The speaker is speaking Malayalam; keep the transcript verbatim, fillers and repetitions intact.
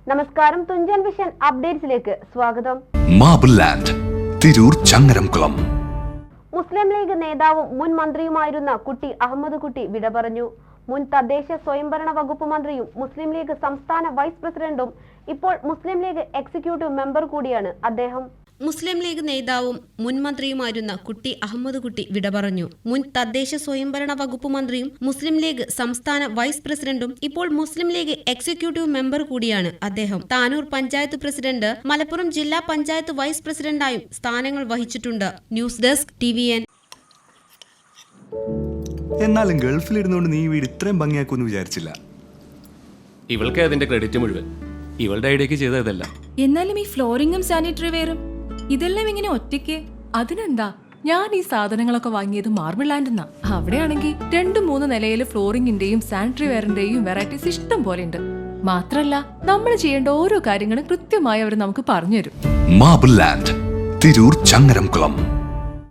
നമസ്കാരം, തുഞ്ചൻ വിഷൻ അപ്ഡേറ്റ്സിലേക്ക് സ്വാഗതം. Marble land, Tirur Changaramkulam. മുസ്ലിം ലീഗ് നേതാവും മുൻ മന്ത്രിയുമായിരുന്ന കുട്ടി അഹമ്മദ് കുട്ടി വിട പറഞ്ഞു. മുൻ തദ്ദേശ സ്വയംഭരണ വകുപ്പ് മന്ത്രിയും മുസ്ലിം ലീഗ് സംസ്ഥാന വൈസ് പ്രസിഡന്റും ഇപ്പോൾ മുസ്ലിം ലീഗ് എക്സിക്യൂട്ടീവ് മെമ്പർ കൂടിയാണ് അദ്ദേഹം. മുസ്ലിം ലീഗ് നേതാവും മുൻ മന്ത്രിയുമായിരുന്ന കുട്ടി അഹമ്മദ് കുട്ടി വിട പറഞ്ഞു. മുൻ തദ്ദേശ സ്വയംഭരണ വകുപ്പ് മന്ത്രിയും മുസ്ലിം ലീഗ് സംസ്ഥാന വൈസ് പ്രസിഡന്റും ഇപ്പോൾ മുസ്ലിം ലീഗ് എക്സിക്യൂട്ടീവ് മെമ്പർ കൂടിയാണ് അദ്ദേഹം. താനൂർ പഞ്ചായത്ത് പ്രസിഡന്റ്, മലപ്പുറം ജില്ലാ പഞ്ചായത്ത് വൈസ് പ്രസിഡന്റായും സ്ഥാനങ്ങൾ വഹിച്ചിട്ടുണ്ട്. News desk T V N. എന്നാലും ഗൾഫിലിരുന്നുകൊണ്ട് നീ വീട് ഇത്രയും ഭംഗിയാക്കുമെന്ന് വിചാരിച്ചില്ല. ഇവൾക്ക് അതിന്റെ ക്രെഡിറ്റ് മുഴുവൻ ഇവളുടെ ഐഡിയക്ക് ചെയ്തതല്ല. എന്നാലും ഈ ഫ്ലോറിംഗും സാനിറ്ററി വെയറും ഇതെല്ലാം ഇങ്ങനെ ഒറ്റയ്ക്ക്. അതിനെന്താ, ഞാൻ ഈ സാധനങ്ങളൊക്കെ വാങ്ങിയത് മാർബിൾ ലാൻഡ് എന്നാ. അവിടെയാണെങ്കിൽ രണ്ടു മൂന്ന് നിലയിൽ ഫ്ലോറിംഗിന്റെയും സാനിറ്ററി വെയറിന്റെയും വെറൈറ്റീസ് ഇഷ്ടം പോലെ ഉണ്ട്. മാത്രല്ല, നമ്മൾ ചെയ്യേണ്ട ഓരോ കാര്യങ്ങളും കൃത്യമായി അവർ നമുക്ക് പറഞ്ഞു തരും. Marble land, Tirur Changaramkulam.